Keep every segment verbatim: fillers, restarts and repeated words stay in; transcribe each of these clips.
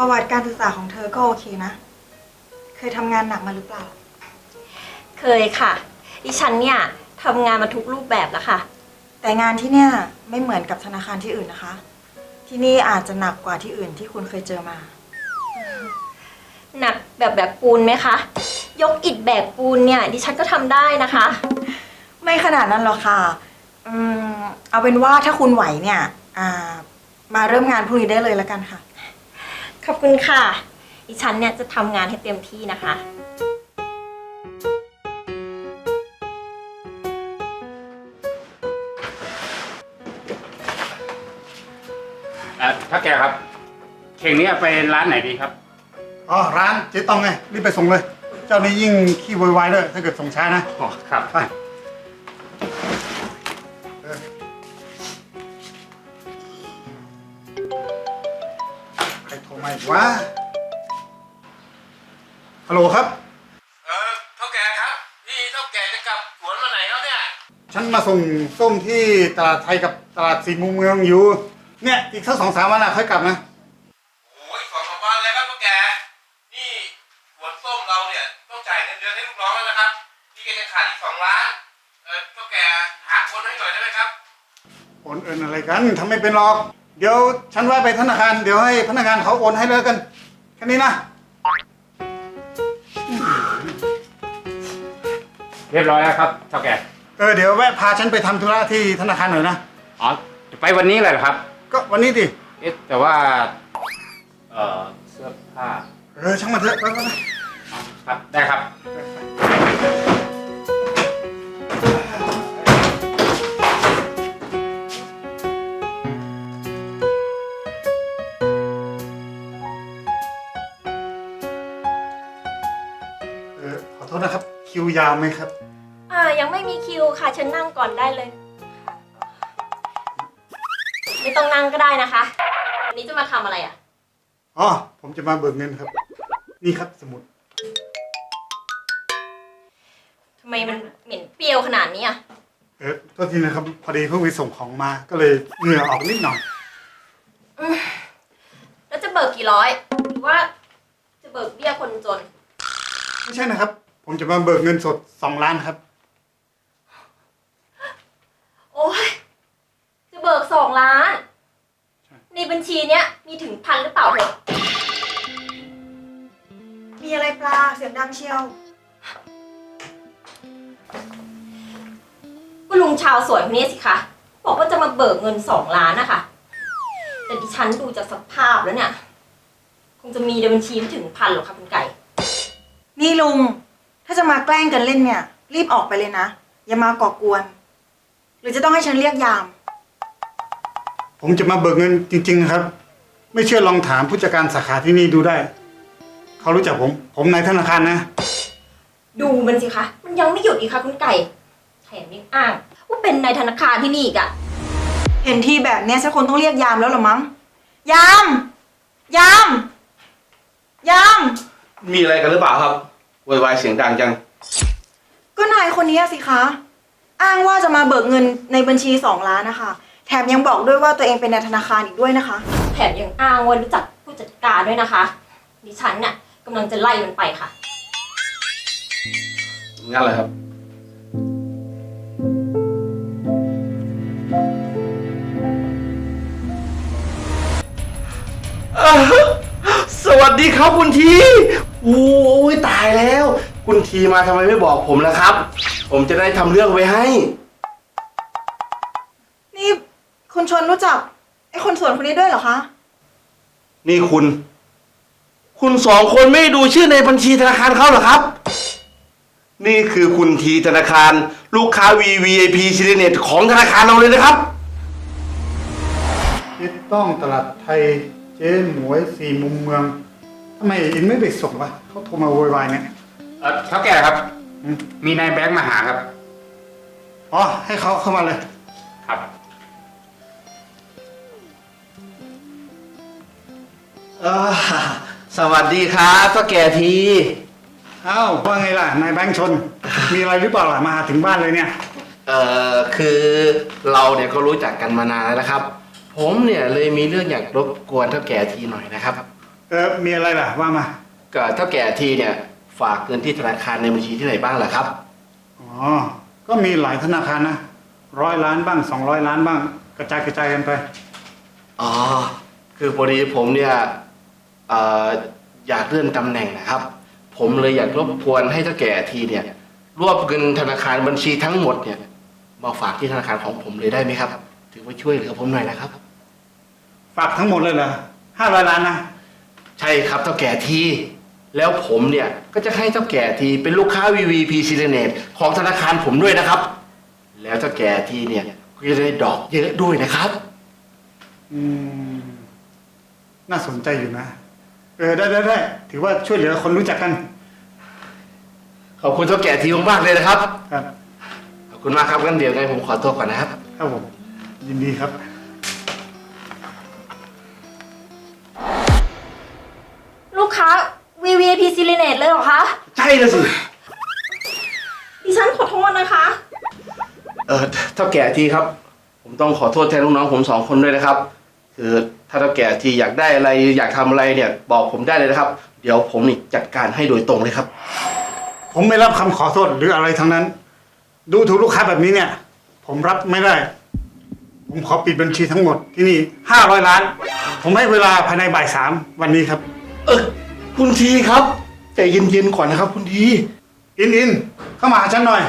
ประวัติการศึกษาของเธอก็โอเคนะ เคยทำงานหนักมาหรือเปล่าเคยค่ะดิฉันเนี่ยทำงานมาทุกรูปแบบแล้วค่ะแต่งานที่เนี่ยไม่เหมือนกับธนาคารที่อื่นนะคะ ที่นี่อาจจะหนักกว่าที่อื่นที่คุณเคยเจอมาหนักแบบแบบปูนไหมคะ ยกอิฐแบกปูนเนี่ยดิฉันก็ทำได้นะคะไม่ขนาดนั้นหรอกค่ะอืมเอาเป็นว่าถ้าคุณไหวเนี่ยอ่ามาเริ่มงานพรุ่งนี้ได้เลยแล้วกันค่ะขอบคุณค่ะดิฉันเนี่ยจะทำงานให้เต็มที่นะคะอ่ะถ้าแกครับเข่งนี้ไปร้านไหนดีครับอ๋อร้านเจ๊ต้องไงรีบไปส่งเลย เจ้านี้ยิ่งขี้โวยวายด้วยถ้าเกิดส่งช้านะอ๋อครับไปเออใครโทรมาอีกวะฮัลโหลครับเออเท่าแกครับนี่เท่าแกจะกลับสวนมาไหนแล้วเนี่ยฉันมาส่งส้มที่ตลาดไทยกับตลาดสี่มุมเมืองอยู่ เนี่ยอีกสักสองสามวันน่ะค่อยกลับนะโอ้ยสองสามวันเลยครับเท่าแกนี่สวนส้มเราเนี่ยต้องจ่ายเงินเดือนให้ลูกน้องแล้วนะครับนี่แกจะขาดอีกสองล้านเออเท่าแกหาคนให้หน่อยได้ไหมครับโอนเอินอะไรกันทำไม่เป็นหรอก เดี๋ยวฉันว่าไปธนาคารเดี๋ยวให้พนักงานเขาโอนให้เลยกันแค่นี้นะเรียบร้อยแล้วครับเท่าแกเออเดี๋ยวแวะพาฉันไปทำธุระที่ธนาคารหน่อยนะอ๋อจะไปวันนี้เลยเหรอครับก็วันนี้ดิเอ๊ะแต่ว่าเออเสื้อผ้าเออช่างมันเถอะไปไปไปอ๋อครับได้ครับเออขอโทษนะครับคิวยาวไหมครับอ่ายังไม่มีคิวค่ะเชิญนั่งก่อนได้เลย ไม่ต้องนั่งก็ได้นะคะวันนี้จะมาทำอะไรอ่ะอ๋อผมจะมาเบิกเงินครับ นี่ครับสมุดทำไมมันเหม็นเปรี้ยวขนาดนี้อ่ะเออโทษทีนะครับพอดีเพิ่งไปส่งของมาก็เลยเหงื่อออกนิดหน่อยอืมแล้วจะเบิกกี่ร้อยหรือว่าจะเบิกเบี้ยคนจนไม่ใช่นะครับ ผมจะมาเบิกเงินสดสองล้านครับโอ้ยจะเบิกสองล้าน ในบัญชีเนี้ยมีถึงพันหรือเปล่าเหรอมีอะไรปลาเสียงดังเชียวก็ลุงชาวสวยคนนี้สิคะบอกว่าจะมาเบิกเงินสองล้านนะคะแต่ดิฉันดูจากสภาพแล้วเนี่ย คงจะมีในบัญชีไม่ถึงพันหรอกค่ะคุณไก่นี่ลุง ถ้าจะมาแกล้งกันเล่นเนี่ย รีบออกไปเลยนะ อย่ามาก่อกวน หรือจะต้องให้ฉันเรียกยามผมจะมาเบิกเงินจริงๆนะครับ ไม่เชื่อลองถามผู้จัดการสาขาที่นี่ดูได้ เขารู้จักผม ผมนายธนาคารนะดูมันสิคะมันยังไม่หยุดอีกค่ะคุณไก่แถมยังอ้างว่าเป็นนายธนาคารที่นี่อีกอะเห็นทีแบบเนี้ยฉันคงต้องเรียกยามแล้วเหรอมั้ง ยาม ยาม ยามมีอะไรกันหรือเปล่าครับโวยวายเสียงดังจังก็นายคนนี้สิคะ อ้างว่าจะมาเบิกเงินในบัญชีสองล้านนะคะ แถมยังบอกด้วยว่าตัวเองเป็นนายธนาคารอีกด้วยนะคะแถมยังอ้างว่ารู้จักผู้จัดการด้วยนะคะดิฉันเนี่ยกำลังจะไล่มันไปค่ะงั้นเลยครับ สวัสดีครับคุณทีโอ้ยตายแล้ว คุณทีมาทำไมไม่บอกผมล่ะครับ ผมจะได้ทำเรื่องไว้ให้นี่คุณชนรู้จักไอ้คนสวนคนนี้ด้วยเหรอคะนี่คุณ คุณสองคนไม่ดูชื่อในบัญชีธนาคารเขาเหรอครับ นี่คือคุณทีธนาคาร ลูกค้า วี วี ไอ พี ซี เน็ตของธนาคารเราเลยนะครับเจ๊ต้องตลาดไทยเจ๊หมวยสี่มุมเมืองทำไมอินไม่ไปส่งวะเขาโทรมาโวยวายเนี่ยเออเท่าแกครับอืมมีนายแบงค์มาหาครับอ๋อให้เขาเข้ามาเลยครับเออสวัสดีครับพ่อแก่ทีอ้าวว่าไงล่ะนายแบงค์ชน มีอะไรหรือเปล่าล่ะมาถึงบ้านเลยเนี่ยเอ่อคือเราเนี่ยก็รู้จักกันมานานแล้วนะครับ ผมเนี่ยเลยมีเรื่องอยากรบกวนเท่าแก่ทีหน่อยนะครับเเออมีอะไรล่ะว่ามาก็เท่าแก่ทีเนี่ยฝากเงินที่ธนาคารในบัญชีที่ไหนบ้างล่ะครับอ๋อก็มีหลายธนาคารนะร้อยล้านบ้างสองร้อยล้านบ้าง กระจายกระจายกันไปอ๋อ คือพอดีผมเนี่ยเอ่ออยากเลื่อนตำแหน่งนะครับ ผมเลยอยากรบกวนให้เท่าแก่ทีเนี่ยรวบเงินธนาคารบัญชีทั้งหมดเนี่ยมาฝากที่ธนาคารของผมเลยได้ไหมครับ ถือว่าช่วยเหลือผมหน่อยนะครับฝากทั้งหมดเลยเหรอห้าร้อยล้านนะใช่ครับเท่าแก่ทีแล้วผมเนี่ยก็จะให้เท่าแก่ทีเป็นลูกค้า วี วี พี s i l e n a t e ของธนาคารผมด้วยนะครับ แล้วเท่าแก่ทีเนี่ยก็จะได้ดอกเยอะด้วยนะครับอืมน่าสนใจอยู่นะ เออได้ได้ได้ถือว่าช่วยเหลือคนรู้จักกันขอบคุณเท่าแก่ทีมากๆเลยนะครับครับขอบคุณมากครับงั้นเดี๋ยวไงผมขอตัวก่อนนะครับครับผมยินดีครับลูกค้า วี วี ไอ พี s i l e n a t e เลยเหรอคะใช่เลยสิดิฉันขอโทษนะคะเออเท่าแก่ทีครับ ผมต้องขอโทษแทนลูกน้องผมสองคนด้วยนะครับ คือถ้าเท่าแก่ทีอยากได้อะไรอยากทำอะไรเนี่ย บอกผมได้เลยนะครับ เดี๋ยวผมนี่จัดการให้โดยตรงเลยครับผมไม่รับคำขอโทษหรืออะไรทั้งนั้น ดูถูกลูกค้าแบบนี้เนี่ย ผมรับไม่ได้ ผมขอปิดบัญชีทั้งหมดที่นี่ห้าร้อยล้าน ผมให้เวลาภายในบ่ายสามวันนี้ครับเออคุณทีครับใจเย็นๆก่อนนะครับ คุณทีอินอินเข้ามาหาฉันหน่อย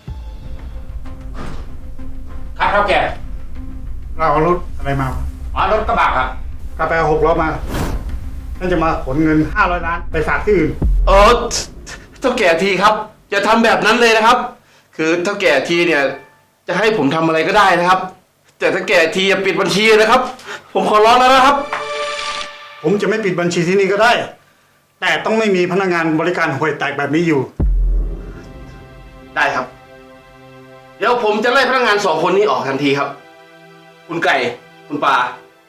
ครับเท่าแก่เราเอารถอะไรมาอ๋อรถกระบะครับกาแฟหกล้อมาฉันจะมาขนเงินห้าร้อยล้านไปฝากที่อื่นเออเท่าแก่ทีครับอย่าทำแบบนั้นเลยนะครับ คือเท่าแก่ทีเนี่ย จะให้ผมทำอะไรก็ได้นะครับ แต่เท่าแก่ทีอย่าปิดบัญชีนะครับ ผมขอร้องแล้วนะครับผมจะไม่ปิดบัญชีที่นี่ก็ได้ แต่ต้องไม่มีพนักงานบริการห่วยแตกแบบนี้อยู่ได้ครับ เดี๋ยวผมจะไล่พนักงานสองคนนี้ออกทันทีครับ คุณไก่ คุณปา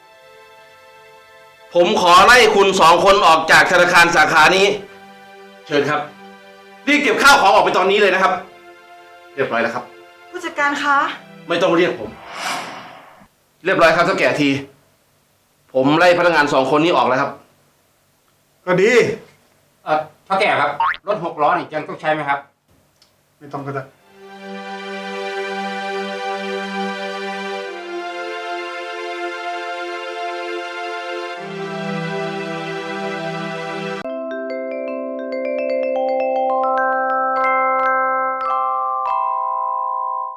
ผมขอไล่คุณสองคนออกจากธนาคารสาขานี้ เชิญครับรีบเก็บข้าวของออกไปตอนนี้เลยนะครับ เรียบร้อยแล้วครับผู้จัดการคะไม่ต้องเรียกผม เรียบร้อยครับเท่าแก่ที ผมไล่พนักงานสองคนนี้ออกแล้วครับก็ดีเออเท่าแก่ครับ รถหกล้อนี่ยังต้องใช้ไหมครับไม่ต้องก็ได้